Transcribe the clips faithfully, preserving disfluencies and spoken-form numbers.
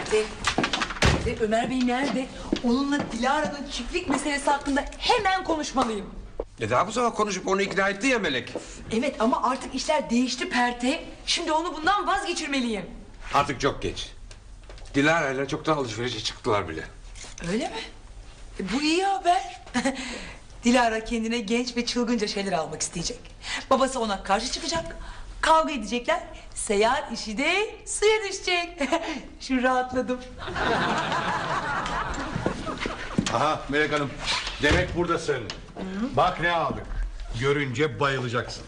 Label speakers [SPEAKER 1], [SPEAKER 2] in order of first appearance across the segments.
[SPEAKER 1] Nerede? Nerede? Ömer Bey nerede? Onunla Dilara'nın çiftlik meselesi hakkında hemen konuşmalıyım.
[SPEAKER 2] E daha bu sabah konuşup onu ikna etti ya Melek.
[SPEAKER 1] Evet ama artık işler değişti Perte. Şimdi onu bundan vazgeçirmeliyim.
[SPEAKER 2] Artık çok geç. Dilara ile çoktan alışverişe çıktılar bile.
[SPEAKER 1] Öyle mi? E, bu iyi haber. Dilara kendine genç ve çılgınca şeyler almak isteyecek. Babası ona karşı çıkacak. Kavga edecekler. Seyahat işi de suya düşecek. Şimdi rahatladım.
[SPEAKER 3] Aha Melek Hanım, demek buradasın. Hı-hı. Bak ne aldık. Görünce bayılacaksın.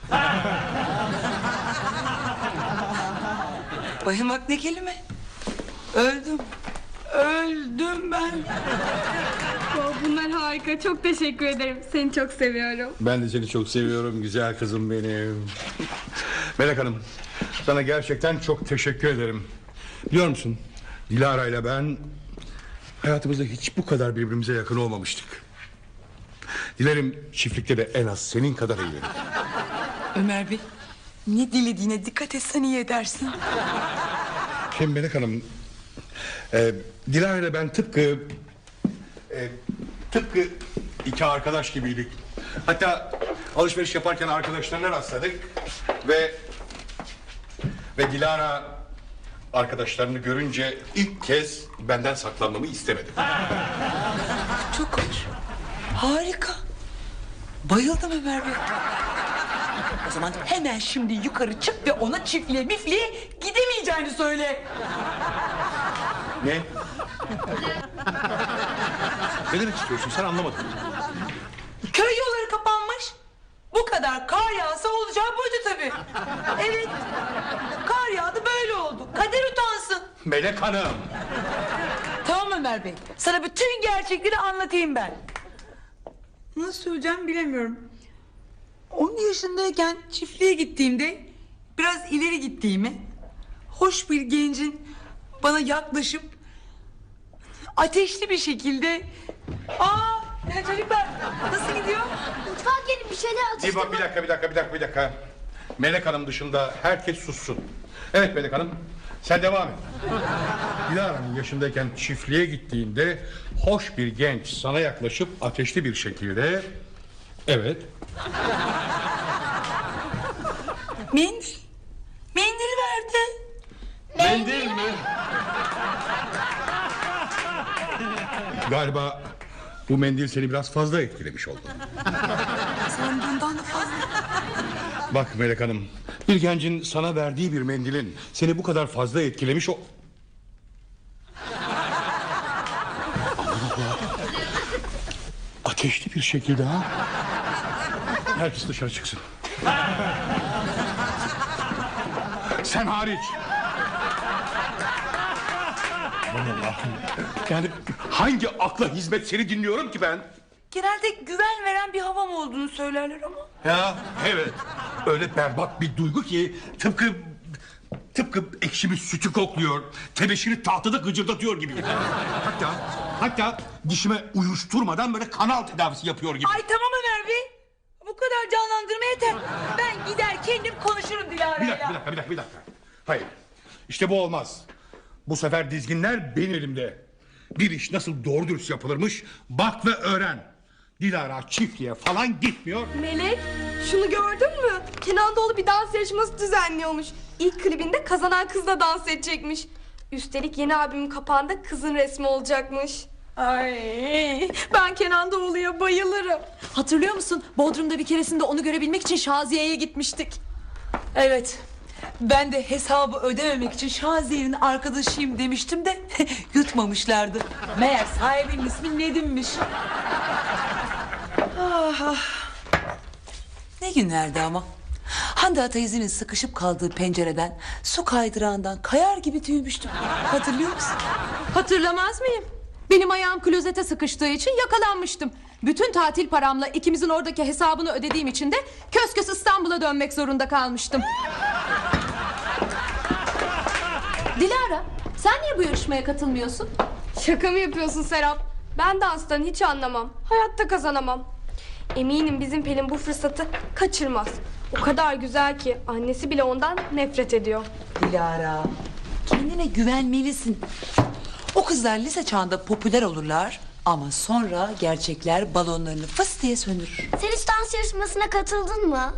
[SPEAKER 1] Bayılmak ne kelime? Öldüm. Öldüm ben.
[SPEAKER 4] Oh, bunlar harika. Çok teşekkür ederim. Seni çok seviyorum.
[SPEAKER 3] Ben de seni çok seviyorum güzel kızım benim. Melek Hanım, sana gerçekten çok teşekkür ederim. Biliyor musun, Dilara ile ben hayatımızda hiç bu kadar birbirimize yakın olmamıştık. Dilerim çiftlikte de en az senin kadar eğlenir.
[SPEAKER 1] Ömer Bey, ne dilediğine dikkat etsen iyi edersin.
[SPEAKER 3] Şimdi Melek Hanım, e, Dilara ile ben tıpkı e, tıpkı iki arkadaş gibiydik. Hatta alışveriş yaparken arkadaşlarına rastladık ve ve Dilara arkadaşlarını görünce ilk kez benden saklanmamı istemedi.
[SPEAKER 1] Çok hoş. Harika. Bayıldım Ömer Bey. O zaman hemen şimdi yukarı çık ve ona çiftliğe mifliğe gidemeyeceğini söyle.
[SPEAKER 3] Ne? Ne demek istiyorsun? Sen anlamadın.
[SPEAKER 1] Köy yolları kapanmış. Bu kadar kar yağsa olacağı buydu tabii. Evet. Kar yağdı böyle oldu. Kader utansın.
[SPEAKER 3] Melek Hanım.
[SPEAKER 1] Tamam Ömer Bey. Sana bütün gerçekleri anlatayım ben. Nasıl söyleyeceğim bilemiyorum. On yaşındayken çiftliğe gittiğimde biraz ileri gittiğimi, hoş bir gencin bana yaklaşıp ateşli bir şekilde, aa ya çocuklar nasıl gidiyor?
[SPEAKER 5] Mutfağa gelin bir şeyler
[SPEAKER 3] Bir
[SPEAKER 5] atıştırma.
[SPEAKER 3] bak bir dakika bir dakika bir dakika bir dakika. Melek Hanım dışında herkes sussun. Evet Melek Hanım, sen devam et. Dilara'nın yaşındayken çiftliğe gittiğinde hoş bir genç sana yaklaşıp ateşli bir şekilde, evet.
[SPEAKER 1] Mendil. Mendil verdi.
[SPEAKER 3] Mendil mi? Galiba bu mendil seni biraz fazla etkilemiş oldu.
[SPEAKER 1] Sandığımdan da fazla.
[SPEAKER 3] Bak Melek Hanım, bir gencin sana verdiği bir mendilin seni bu kadar fazla etkilemiş o... Aman Allah! Ateşli bir şekilde ha? Herkes dışarı çıksın. Sen hariç. Aman Allah'ım. Yani hangi akla hizmet seni dinliyorum ki ben?
[SPEAKER 1] Genelde güven veren bir havam olduğunu söylerler ama.
[SPEAKER 3] Ya evet. Öyle berbat bir duygu ki tıpkı tıpkı ekşi bir sütü kokluyor. Tebeşiri tahtada gıcırdatıyor gibi. Hatta hatta dişime uyuşturmadan böyle kanal tedavisi yapıyor gibi.
[SPEAKER 1] Ay tamam Ömer Bey. Bu kadar canlandırma yeter. Ben gider kendim konuşurum Dilara'yla.
[SPEAKER 3] Bir dakika, bir dakika, bir dakika, bir dakika. Hayır. İşte bu olmaz. Bu sefer dizginler benim elimde. Bir iş nasıl doğru dürüst yapılırmış bak ve öğren. Dilara çiftliğe falan gitmiyor.
[SPEAKER 4] Melek, şunu gördün mü? Kenan Doğulu bir dans yarışması düzenliyormuş. İlk klibinde kazanan kızla dans edecekmiş. Üstelik yeni albümün kapağında kızın resmi olacakmış. Ay, ben Kenan Doğulu'ya bayılırım.
[SPEAKER 6] Hatırlıyor musun? Bodrum'da bir keresinde onu görebilmek için Şaziye'ye gitmiştik.
[SPEAKER 1] Evet. Ben de hesabı ödememek için Şaziye'nin arkadaşıyım demiştim de yutmamışlardı. Meğer sahibinin ismi Nedim'miş. Ah, ah. Ne günlerdi ama. Hande teyzenin sıkışıp kaldığı pencereden, su kaydırağından kayar gibi tüymüştüm. Hatırlıyor musun?
[SPEAKER 6] Hatırlamaz mıyım? Benim ayağım klozete sıkıştığı için yakalanmıştım. Bütün tatil paramla ikimizin oradaki hesabını ödediğim için de kös kös İstanbul'a dönmek zorunda kalmıştım. Dilara, sen niye bu yarışmaya katılmıyorsun?
[SPEAKER 4] Şaka mı yapıyorsun Serap? Ben danstan hiç anlamam. Hayatta kazanamam. Eminim bizim Pelin bu fırsatı kaçırmaz. O kadar güzel ki annesi bile ondan nefret ediyor.
[SPEAKER 1] Dilara, kendi Kendine güvenmelisin. O kızlar lise çağında popüler olurlar ama sonra gerçekler balonlarını fıs diye söndürür.
[SPEAKER 5] Sen hiç dans yarışmasına katıldın mı?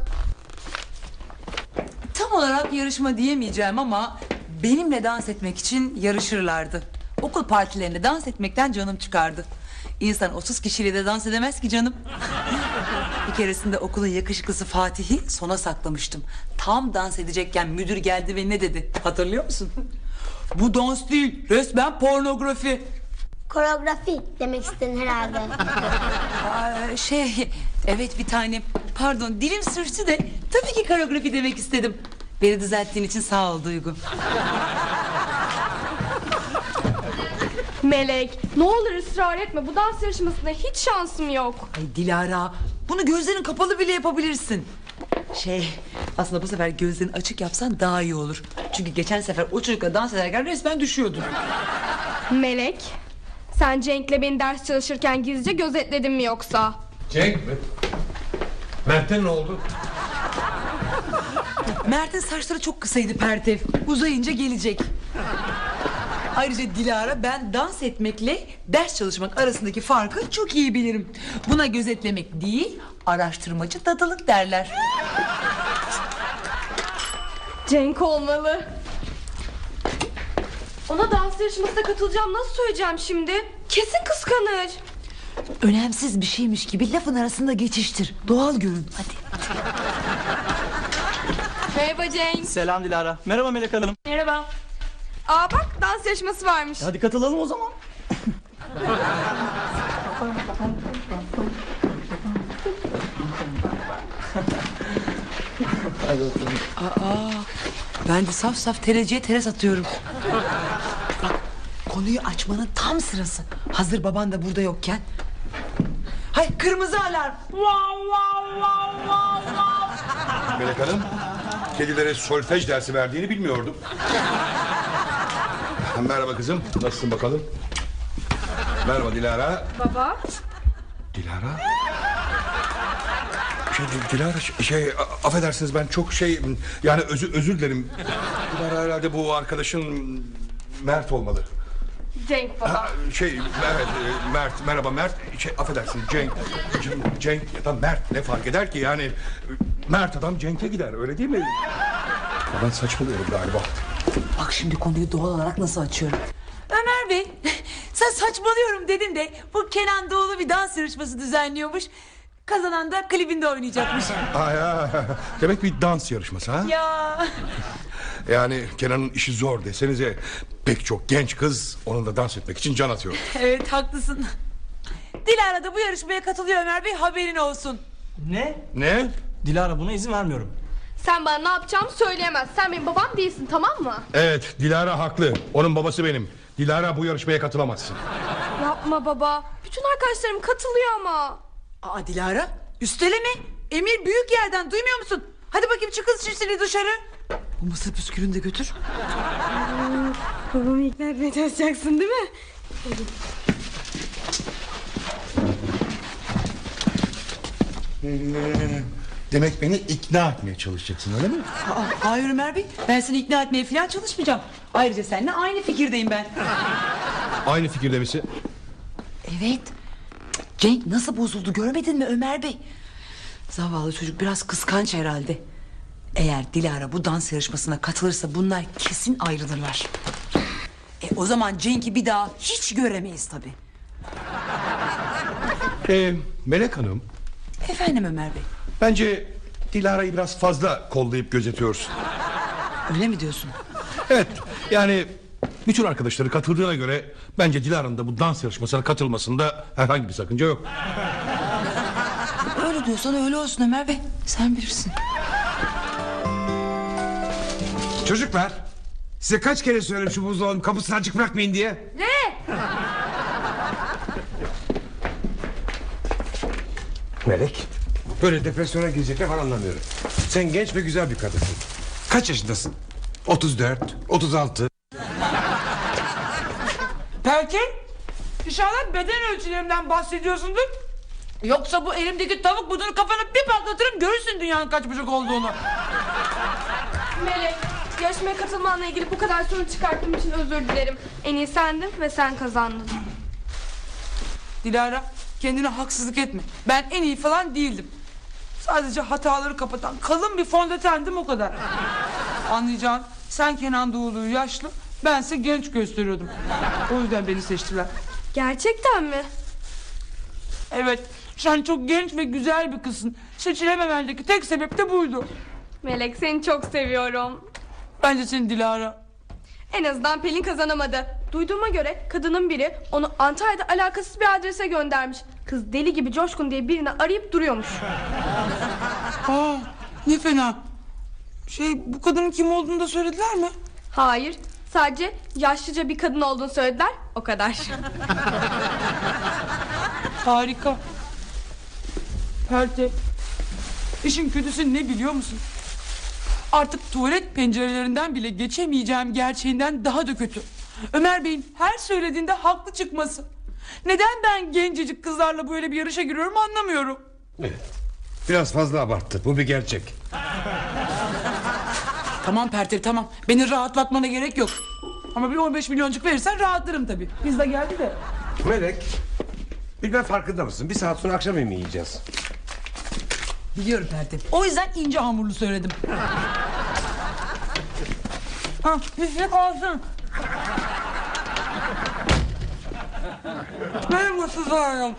[SPEAKER 1] Tam olarak yarışma diyemeyeceğim ama benimle dans etmek için yarışırlardı. Okul partilerinde dans etmekten canım çıkardı. İnsan otuz kişiyle de dans edemez ki canım. Bir keresinde okulun yakışıklısı Fatih'i sona saklamıştım. Tam dans edecekken müdür geldi ve ne dedi? Hatırlıyor musun? Bu dans değil, resmen pornografi.
[SPEAKER 5] Koreografi demek istedin herhalde.
[SPEAKER 1] Aa, şey, evet bir tanem. Pardon, dilim sürçtü de tabii ki koreografi demek istedim. Beni düzelttiğin için sağ ol Duygu.
[SPEAKER 4] Melek, ne olur ısrar etme. Bu dans yarışmasında hiç şansım yok.
[SPEAKER 1] Ay Dilara, bunu gözlerin kapalı bile yapabilirsin. Şey, aslında bu sefer gözlerini açık yapsan daha iyi olur. Çünkü geçen sefer o çocukla dans ederken resmen düşüyordun.
[SPEAKER 4] Melek, sen Cenk'le beni ders çalışırken gizlice gözetledin mi yoksa?
[SPEAKER 3] Cenk mi? Mert'e ne oldu?
[SPEAKER 1] Mert'in saçları çok kısaydı Pertev. Uzayınca gelecek. Ayrıca Dilara, ben dans etmekle ders çalışmak arasındaki farkı çok iyi bilirim. Buna gözetlemek değil, araştırmacı dadılık derler.
[SPEAKER 4] Cenk olmalı. Ona dans yarışmasına katılacağım nasıl söyleyeceğim şimdi? Kesin kıskanır.
[SPEAKER 1] Önemsiz bir şeymiş gibi lafın arasında geçiştir. Doğal görün, hadi.
[SPEAKER 4] Merhaba Cenk.
[SPEAKER 7] Selam Dilara. Merhaba Melek Hanım.
[SPEAKER 4] Merhaba. Aa bak, dans yarışması varmış.
[SPEAKER 7] Hadi katılalım o zaman.
[SPEAKER 1] Ben de saf saf tereciye teres atıyorum. Bak, konuyu açmanın tam sırası. Hazır baban da burada yokken. Hay, kırmızı alarm.
[SPEAKER 3] Melek Hanım, kedilere solfej dersi verdiğini bilmiyordum. Merhaba kızım, nasılsın bakalım? Merhaba Dilara.
[SPEAKER 4] Baba.
[SPEAKER 3] Dilara? Şey, Dilara şey, a- affedersiniz ben çok şey yani özür özür dilerim. Dilara herhalde bu arkadaşın Mert olmalı.
[SPEAKER 4] Cenk baba.
[SPEAKER 3] Ha, şey evet e, Mert merhaba Mert şey affedersiniz Cenk Cenk, Cenk ya da Mert ne fark eder ki yani Mert adam Cenk'e gider öyle değil mi? Ya ben saçmalıyorum galiba.
[SPEAKER 1] Bak şimdi konuyu doğal olarak nasıl açıyorum. Ömer Bey, sen saçmalıyorum dedin de bu Kenan Doğulu bir dans yarışması düzenliyormuş. Kazanan da klibinde oynayacakmış.
[SPEAKER 3] Aa, ya, demek bir dans yarışması ha?
[SPEAKER 1] Ya.
[SPEAKER 3] Yani Kenan'ın işi zor desenize pek çok genç kız onunla dans etmek için can atıyor.
[SPEAKER 1] Evet, haklısın. Dilara da bu yarışmaya katılıyor Ömer Bey, haberin olsun.
[SPEAKER 7] Ne?
[SPEAKER 3] Ne?
[SPEAKER 7] Dilara buna izin vermiyorum.
[SPEAKER 4] Sen bana ne yapacağımı söyleyemez. Sen benim babam değilsin, tamam mı?
[SPEAKER 3] Evet Dilara haklı onun babası benim. Dilara bu yarışmaya katılamazsın.
[SPEAKER 4] Yapma baba. Bütün arkadaşlarım katılıyor ama.
[SPEAKER 1] Aa Dilara, üsteleme. Emir büyük yerden, duymuyor musun? Hadi bakayım, çık kız şişini dışarı. Bu mısır püskülünü de götür.
[SPEAKER 4] Babamı ikna etmeye çalışacaksın değil mi?
[SPEAKER 3] Demek beni ikna etmeye çalışacaksın öyle mi?
[SPEAKER 1] Aa, hayır Ömer Bey, ben seni ikna etmeye falan çalışmayacağım. Ayrıca seninle aynı fikirdeyim ben.
[SPEAKER 3] Aynı fikirde misin?
[SPEAKER 1] Evet. Cenk nasıl bozuldu, görmedin mi Ömer Bey? Zavallı çocuk biraz kıskanç herhalde. Eğer Dilara bu dans yarışmasına katılırsa bunlar kesin ayrılırlar. E, o zaman Cenk'i bir daha hiç göremeyiz tabii.
[SPEAKER 3] Ee, Melek Hanım
[SPEAKER 1] Efendim Ömer Bey,
[SPEAKER 3] bence Dilara'yı biraz fazla kollayıp gözetiyorsun.
[SPEAKER 1] öyle mi diyorsun?
[SPEAKER 3] Evet yani bütün arkadaşları katıldığına göre bence Dilara'nın da bu dans yarışmasına katılmasında herhangi bir sakınca yok.
[SPEAKER 1] Öyle diyorsan öyle olsun Ömer Bey, sen bilirsin.
[SPEAKER 2] Çocuklar, size kaç kere söyledim şu buzdolabının kapısını açık bırakmayın diye.
[SPEAKER 4] Ne?
[SPEAKER 2] Melek, böyle depresyona girecekler falan anlamıyorum. Sen genç ve güzel bir kadınsın. Kaç yaşındasın? otuz dört, otuz altı.
[SPEAKER 1] Belki inşallah beden ölçülerimden bahsediyorsundur. Yoksa bu elimdeki tavuk budunu kafana bir patlatırım, görürsün dünyanın kaç bucak olduğunu.
[SPEAKER 4] Melek, Yarışmaya katılmanla ilgili bu kadar sorun çıkarttığım için özür dilerim. En iyi sendin ve sen kazandın.
[SPEAKER 1] Dilara, kendine haksızlık etme. Ben en iyi falan değildim. Sadece hataları kapatan kalın bir fondötendim, o kadar. Anlayacağın, sen Kenan Doğulu'yu yaşlı, bense genç gösteriyordum. O yüzden beni seçtiler.
[SPEAKER 4] Gerçekten mi?
[SPEAKER 1] Evet, sen çok genç ve güzel bir kızsın. Seçilememendeki tek sebep de buydu.
[SPEAKER 4] Melek, seni çok seviyorum.
[SPEAKER 1] Bence senin Dilara.
[SPEAKER 4] En azından Pelin kazanamadı. Duyduğuma göre kadının biri onu Antalya'da alakasız bir adrese göndermiş. Kız deli gibi Coşkun diye birini arayıp duruyormuş.
[SPEAKER 1] Aa, ne fena. Şey, bu kadının kim olduğunu da söylediler mi?
[SPEAKER 4] Hayır, sadece yaşlıca bir kadın olduğunu söylediler, o kadar.
[SPEAKER 1] Harika. Perte. İşin kötüsü ne biliyor musun? Artık tuvalet pencerelerinden bile geçemeyeceğim gerçeğinden daha da kötü. Ömer Bey'in her söylediğinde haklı çıkması. Neden ben gencecik kızlarla böyle bir yarışa giriyorum anlamıyorum.
[SPEAKER 2] Evet. Biraz fazla abarttı. Bu bir gerçek.
[SPEAKER 1] Tamam Pertev, tamam. Beni rahatlatmana gerek yok. Ama bir on beş milyoncuk verirsen rahatlarım tabii. Biz de geldi de.
[SPEAKER 2] Melek, bilmem farkında mısın? Bir saat sonra akşam yemeği yiyeceğiz.
[SPEAKER 1] Biliyorum Pertev. O yüzden ince hamurlu söyledim. Ha, bir kalsın. Benim ısızlarım.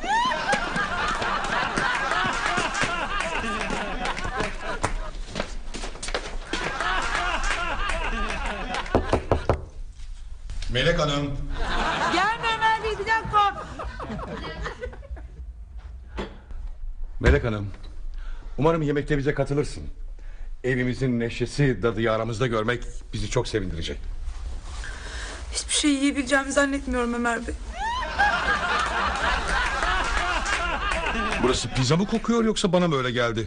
[SPEAKER 3] Melek Hanım.
[SPEAKER 1] Gelme Ömer Bey, bir dakika.
[SPEAKER 3] Melek Hanım. Umarım yemekte bize katılırsın. Evimizin neşesi, dadıyı aramızda görmek bizi çok sevindirecek.
[SPEAKER 1] Hiçbir şey yiyebileceğimi zannetmiyorum Ömer Bey.
[SPEAKER 3] Burası pizza mı kokuyor yoksa bana mı öyle geldi?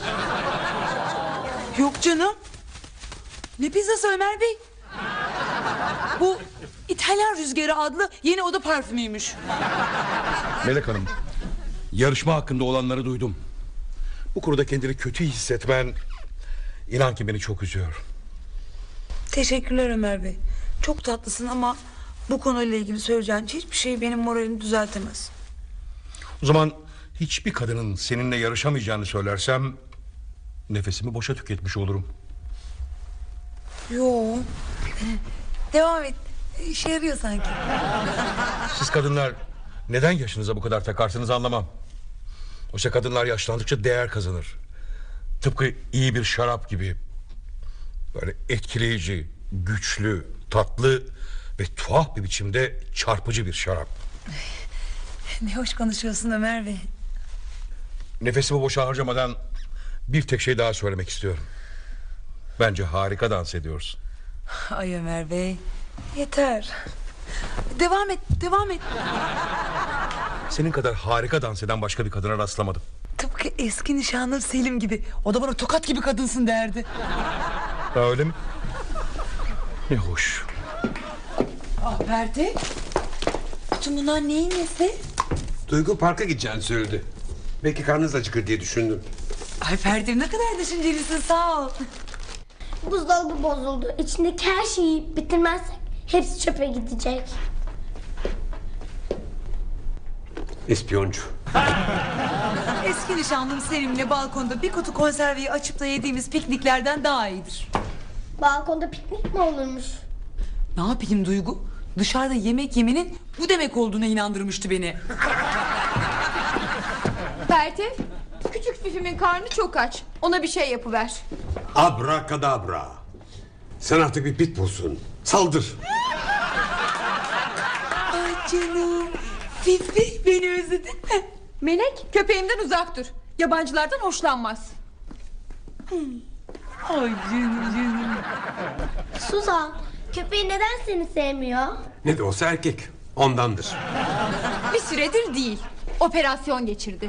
[SPEAKER 1] Yok canım. Ne pizzası Ömer Bey? Bu İtalyan Rüzgarı adlı yeni oda parfümüymüş.
[SPEAKER 3] Melek Hanım, yarışma hakkında olanları duydum. Bu konuda kendini kötü hissetmen, inan ki beni çok üzüyor.
[SPEAKER 1] Teşekkürler Ömer Bey. Çok tatlısın ama bu konuyla ilgili söyleyeceğin hiçbir şey benim moralimi düzeltemez.
[SPEAKER 3] O zaman hiçbir kadının seninle yarışamayacağını söylersem nefesimi boşa tüketmiş olurum.
[SPEAKER 1] Yo. Devam et. İşe yarıyor sanki.
[SPEAKER 3] Siz kadınlar neden yaşınıza bu kadar takarsınız anlamam. Oysa kadınlar yaşlandıkça değer kazanır. Tıpkı iyi bir şarap gibi. Böyle etkileyici, güçlü, tatlı ve tuhaf bir biçimde çarpıcı bir şarap.
[SPEAKER 1] Ne hoş konuşuyorsun Ömer Bey.
[SPEAKER 3] Nefesimi boşa harcamadan bir tek şey daha söylemek istiyorum. Bence harika dans ediyorsun.
[SPEAKER 1] Ay Ömer Bey. Yeter. Devam et, devam et.
[SPEAKER 3] Senin kadar harika dans eden başka bir kadına rastlamadım.
[SPEAKER 1] Tıpkı eski nişanlım Selim gibi. O da bana tokat gibi kadınsın derdi.
[SPEAKER 3] Ha, öyle mi? Ne hoş.
[SPEAKER 1] Ah Pertev. Bütün bunlar neyin nesi?
[SPEAKER 2] Duygu parka gideceğini söyledi. Belki karnınız acıkır diye düşündüm.
[SPEAKER 1] Ay Pertev, ne kadar düşüncelisin, sağ ol.
[SPEAKER 5] Buzdolabı bozuldu. İçindeki her şeyi yiyip bitirmezsek hepsi çöpe gidecek.
[SPEAKER 2] İspiyoncu.
[SPEAKER 1] Eski nişanlım Selim'le balkonda bir kutu konserveyi açıp da yediğimiz pikniklerden daha iyidir.
[SPEAKER 5] Balkonda piknik mi olurmuş?
[SPEAKER 1] Ne yapayım Duygu? Dışarıda yemek yemenin bu demek olduğuna inandırmıştı beni.
[SPEAKER 6] Pertev, küçük Fifi'min karnı çok aç. Ona bir şey yapıver.
[SPEAKER 2] Abrakadabra. Sen artık bir pitbullsun. Saldır.
[SPEAKER 1] Ay canım. Fifi, beni özledin mi?
[SPEAKER 6] Melek, köpeğimden uzak dur. Yabancılardan hoşlanmaz.
[SPEAKER 1] Ay canım canım.
[SPEAKER 5] Suzan, köpeği neden seni sevmiyor?
[SPEAKER 2] Ne de olsa erkek. Ondandır.
[SPEAKER 6] Bir süredir değil. Operasyon geçirdi.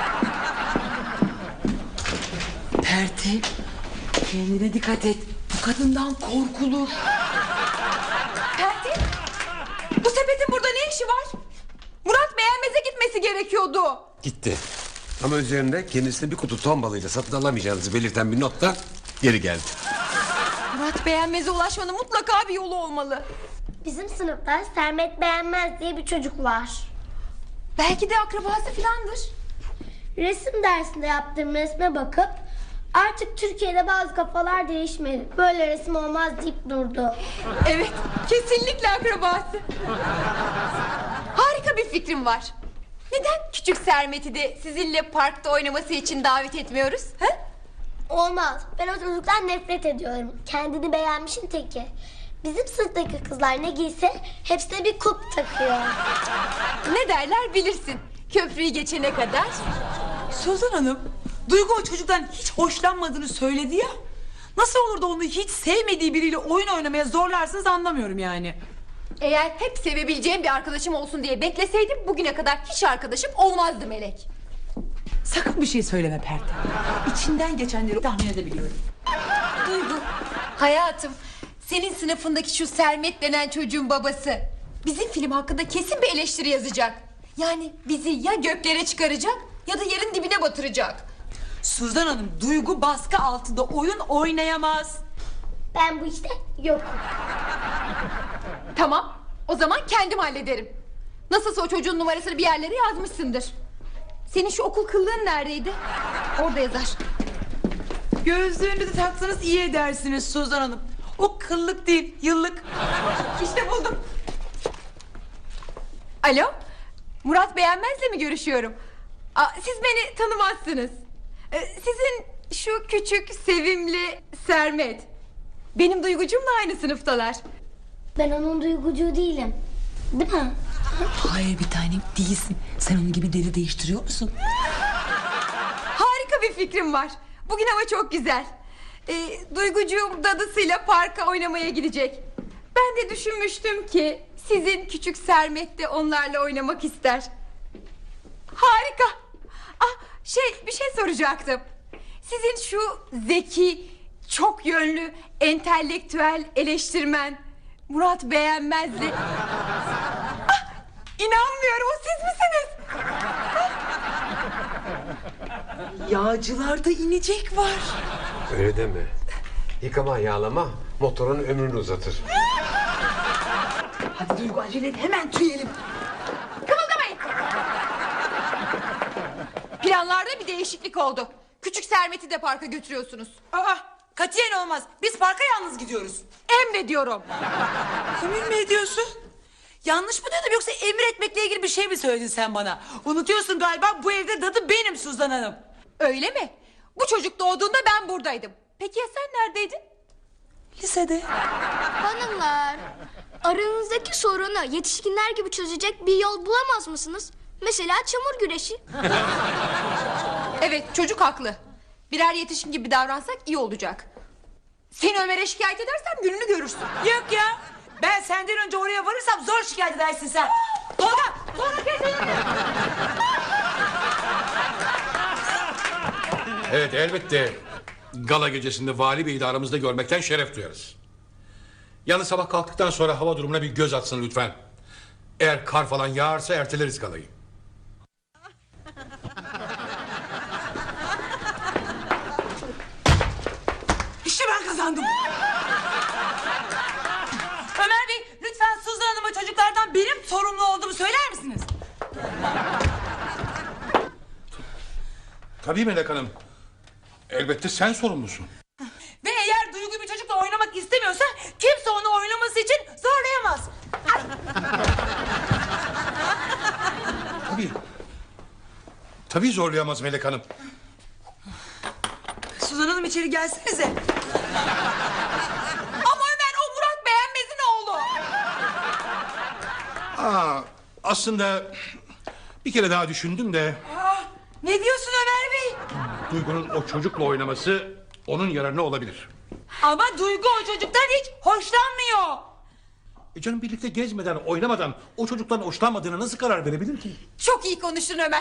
[SPEAKER 1] Pertev, kendine dikkat et. Bu kadından korkulur.
[SPEAKER 6] Pertev, bu sepetin burada ne işi var? Murat beğenmeze gitmesi gerekiyordu.
[SPEAKER 2] Gitti. Ama üzerinde kendisine bir kutu ton balığıyla satın alamayacağınızı belirten bir not da geri geldi.
[SPEAKER 6] Murat Beğenmez'e ulaşmanın mutlaka bir yolu olmalı.
[SPEAKER 5] Bizim sınıfta Sermet Beğenmez diye bir çocuk var.
[SPEAKER 6] Belki de akrabası filandır.
[SPEAKER 5] Resim dersinde yaptığım resme bakıp artık Türkiye'de bazı kafalar değişmedi, böyle resim olmaz deyip durdu.
[SPEAKER 6] Evet, kesinlikle akrabası. Harika bir fikrim var. Neden küçük Sermet'i de sizinle parkta oynaması için davet etmiyoruz? He?
[SPEAKER 5] Olmaz. Ben o çocuktan nefret ediyorum. Kendini beğenmişin teki. Bizim sınıftaki kızlar ne giyse hepsine bir kulp takıyor.
[SPEAKER 6] Ne derler bilirsin. Köprüyü geçene kadar.
[SPEAKER 1] Suzan Hanım, Duygu o çocuktan hiç hoşlanmadığını söyledi ya. Nasıl olur da onu hiç sevmediği biriyle oyun oynamaya zorlarsınız anlamıyorum yani.
[SPEAKER 6] Eğer hep sevebileceğim bir arkadaşım olsun diye bekleseydim bugüne kadar hiç arkadaşım olmazdı Melek.
[SPEAKER 1] Sakın bir şey söyleme Perde. İçinden geçenleri tahmin edebiliyorum.
[SPEAKER 6] Duygu, hayatım, senin sınıfındaki şu Sermet denen çocuğun babası bizim film hakkında kesin bir eleştiri yazacak. Yani bizi ya göklere çıkaracak ya da yerin dibine batıracak.
[SPEAKER 1] Suzan Hanım, Duygu baskı altında oyun oynayamaz.
[SPEAKER 5] Ben bu işte yokum.
[SPEAKER 6] Tamam, o zaman kendim hallederim. Nasılsa o çocuğun numarasını bir yerlere yazmışsındır. Senin şu okul kıllığın neredeydi? Orada yazar.
[SPEAKER 1] Gözlüğünü de taksanız iyi edersiniz Suzan Hanım. O kıllık değil, yıllık.
[SPEAKER 6] İşte buldum. Alo, Murat Beğenmez'le mi görüşüyorum? Aa, siz beni tanımazsınız. Ee, sizin şu küçük, sevimli Sermet. Benim Duygucumla aynı sınıftalar.
[SPEAKER 5] Ben onun duygucuğu değilim. Değil mi?
[SPEAKER 1] Hayır bir tanem değilsin. Sen onun gibi deli değiştiriyor musun?
[SPEAKER 6] Harika bir fikrim var. Bugün hava çok güzel. Ee, Duygucuğum dadısıyla parka oynamaya gidecek. Ben de düşünmüştüm ki sizin küçük Sermet de onlarla oynamak ister. Harika. Ah, şey bir şey soracaktım. Sizin şu zeki, çok yönlü, entelektüel eleştirmen Murat Beğenmez'li... Ah, inanmıyorum, o siz misiniz?
[SPEAKER 1] Yağcılarda inecek var.
[SPEAKER 2] Öyle deme. Yıkama, yağlama motorun ömrünü uzatır.
[SPEAKER 1] Hadi Duygu acele et, hemen tüyelim.
[SPEAKER 6] Kımıldamayın. Planlarda bir değişiklik oldu. Küçük Sermet'i de parka götürüyorsunuz.
[SPEAKER 1] Aa, katiyen olmaz. Biz parka yalnız gidiyoruz.
[SPEAKER 6] Emrediyorum.
[SPEAKER 1] Emin mi ediyorsun? Yanlış mı dedim yoksa emretmekle ilgili bir şey mi söyledin sen bana? Unutuyorsun galiba bu evde dadı benim Suzan Hanım.
[SPEAKER 6] Öyle mi? Bu çocuk doğduğunda ben buradaydım. Peki ya sen neredeydin?
[SPEAKER 1] Lisede.
[SPEAKER 8] Hanımlar, aranızdaki sorunu yetişkinler gibi çözecek bir yol bulamaz mısınız? Mesela çamur güreşi.
[SPEAKER 6] Evet, çocuk haklı. Birer yetişkin gibi davransak iyi olacak. Seni Ömer'e şikayet edersem gününü görürsün.
[SPEAKER 1] Yok ya. Ben senden önce oraya varırsam zor şikayet edersin sen. Tolga! Tolga kesin.
[SPEAKER 3] Evet, elbette gala gecesinde vali beyi de aramızda görmekten şeref duyarız. Yalnız sabah kalktıktan sonra hava durumuna bir göz atsın lütfen. Eğer kar falan yağarsa erteleriz galayı.
[SPEAKER 1] İşte ben kazandım. Ömer Bey lütfen Suzan Hanım'a çocuklardan benim sorumlu olduğumu söyler misiniz?
[SPEAKER 3] Tabii Melek Hanım. Elbette sen sorumlusun.
[SPEAKER 1] Ve eğer Duygu bir çocukla oynamak istemiyorsa kimse onu oynaması için zorlayamaz.
[SPEAKER 3] Tabii. Tabii zorlayamaz Melek Hanım.
[SPEAKER 1] Suzan Hanım içeri gelsenize.
[SPEAKER 6] Ama Ömer o Murat Beğenmez'in oğlu.
[SPEAKER 3] Aa, aslında bir kere daha düşündüm de...
[SPEAKER 1] Aa, ne diyorsun Ömer Bey?
[SPEAKER 3] Duygu'nun o çocukla oynaması onun yararına olabilir.
[SPEAKER 1] Ama Duygu o çocuktan hiç hoşlanmıyor.
[SPEAKER 3] E canım birlikte gezmeden, oynamadan o çocuktan hoşlanmadığına nasıl karar verebilir ki?
[SPEAKER 6] Çok iyi konuştun Ömer.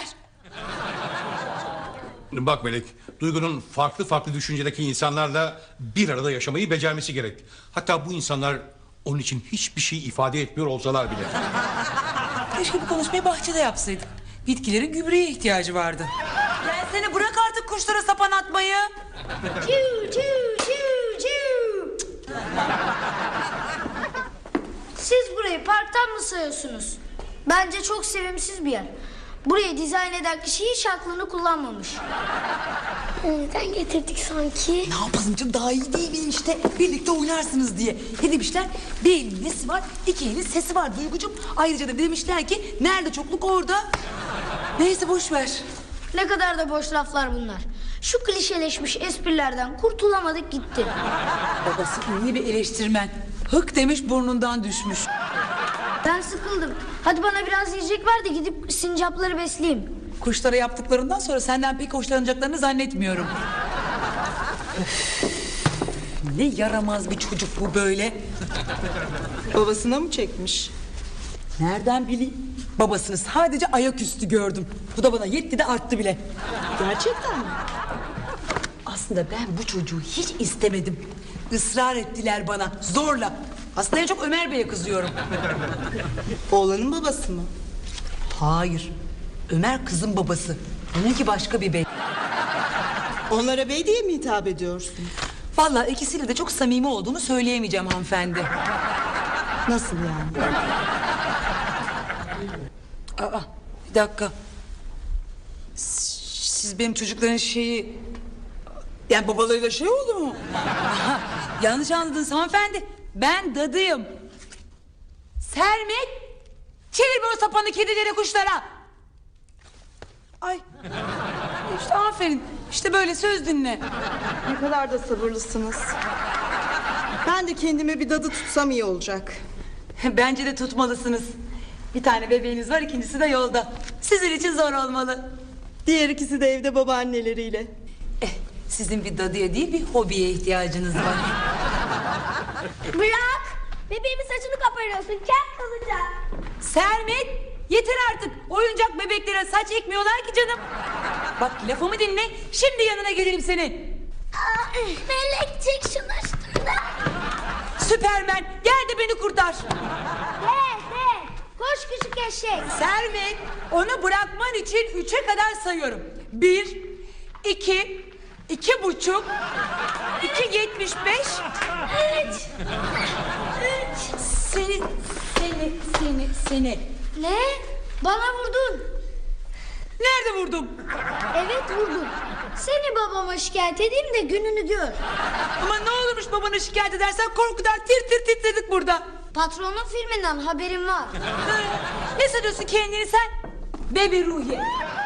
[SPEAKER 3] Bak Melek, Duygu'nun farklı farklı düşüncedeki insanlarla bir arada yaşamayı becermesi gerek. Hatta bu insanlar onun için hiçbir şey ifade etmiyor olsalar bile.
[SPEAKER 1] Keşke bu konuşmayı bahçede yapsaydık. Bitkilerin gübreye ihtiyacı vardı. Gelsene bırak artık kuşlara sapan atmayı.
[SPEAKER 5] Çiu çiu çiu çiu.
[SPEAKER 8] Siz burayı parktan mı sayıyorsunuz? Bence çok sevimsiz bir yer. Burayı dizayn eden kişi hiç aklını kullanmamış.
[SPEAKER 5] Neden getirdik sanki?
[SPEAKER 1] Ne yapalım canım, daha iyi değil miyim işte? Birlikte oynarsınız diye. Ne demişler? Bir elin nesi var, iki elin sesi var Duygucuğum. Ayrıca da demişler ki nerede çokluk orada. Neyse boş ver.
[SPEAKER 8] Ne kadar da boş laflar bunlar. Şu klişeleşmiş esprilerden kurtulamadık gitti.
[SPEAKER 1] Babası ünlü bir eleştirmen. Hık demiş burnundan düşmüş.
[SPEAKER 8] Ben sıkıldım. Hadi bana biraz yiyecek ver de gidip sincapları besleyeyim.
[SPEAKER 1] Kuşlara yaptıklarından sonra senden pek hoşlanacaklarını zannetmiyorum. Öf, ne yaramaz bir çocuk bu böyle.
[SPEAKER 9] Babasına mı çekmiş?
[SPEAKER 1] Nereden bileyim? Babasını sadece ayaküstü gördüm. Bu da bana yetti de arttı bile.
[SPEAKER 9] Gerçekten mi?
[SPEAKER 1] Aslında ben bu çocuğu hiç istemedim. Israr ettiler bana zorla. Aslında en çok Ömer Bey'e kızıyorum.
[SPEAKER 9] Oğlanın babası mı?
[SPEAKER 1] Hayır. Ömer kızın babası. Onunki başka bir bey.
[SPEAKER 9] Onlara bey diye mi hitap ediyorsun?
[SPEAKER 1] Vallahi ikisiyle de çok samimi olduğunu söyleyemeyeceğim hanımefendi.
[SPEAKER 9] Nasıl yani?
[SPEAKER 1] Aa, bir dakika. S- Siz benim çocukların şeyi... Yani babalarıyla şey oldu mu? Aha, yanlış anladınız hanımefendi. Ben dadıyım. Sermet, çevir bu sapanı kedilere kuşlara. Ay. İşte aferin. İşte böyle söz dinle.
[SPEAKER 9] Ne kadar da sabırlısınız. Ben de kendime bir dadı tutsam iyi olacak.
[SPEAKER 1] Bence de tutmalısınız. Bir tane bebeğiniz var, ikincisi de yolda. Sizin için zor olmalı.
[SPEAKER 9] Diğer ikisi de evde babaanneleriyle.
[SPEAKER 1] Eh, sizin bir dadıya değil bir hobiye ihtiyacınız var.
[SPEAKER 5] Bırak. Bebeğimin saçını kaparıyorsun. Kel kalacak.
[SPEAKER 1] Sermet, yeter artık. Oyuncak bebeklere saç ekmiyorlar ki canım. Bak lafımı dinle. Şimdi yanına gelelim senin.
[SPEAKER 5] Aa, melek çek şunu üstünden.
[SPEAKER 1] Süpermen, gel de beni kurtar.
[SPEAKER 8] He he. Koş küçük eşek.
[SPEAKER 1] Sermet, onu bırakman için üçe kadar sayıyorum. Bir, iki, iki buçuk, iki yetmiş beş.
[SPEAKER 5] Üç. Üç.
[SPEAKER 1] Seni, seni, seni, seni.
[SPEAKER 8] Ne? Bana vurdun.
[SPEAKER 1] Nerede vurdum?
[SPEAKER 8] Evet vurdun. Seni babama şikayet edeyim de gününü gör.
[SPEAKER 1] Ama ne olurmuş babana şikayet edersen korkudan tir tir titredik burada.
[SPEAKER 8] Patronun filminden haberim var.
[SPEAKER 1] Ne sanıyorsun kendini sen? Bebi Ruhi.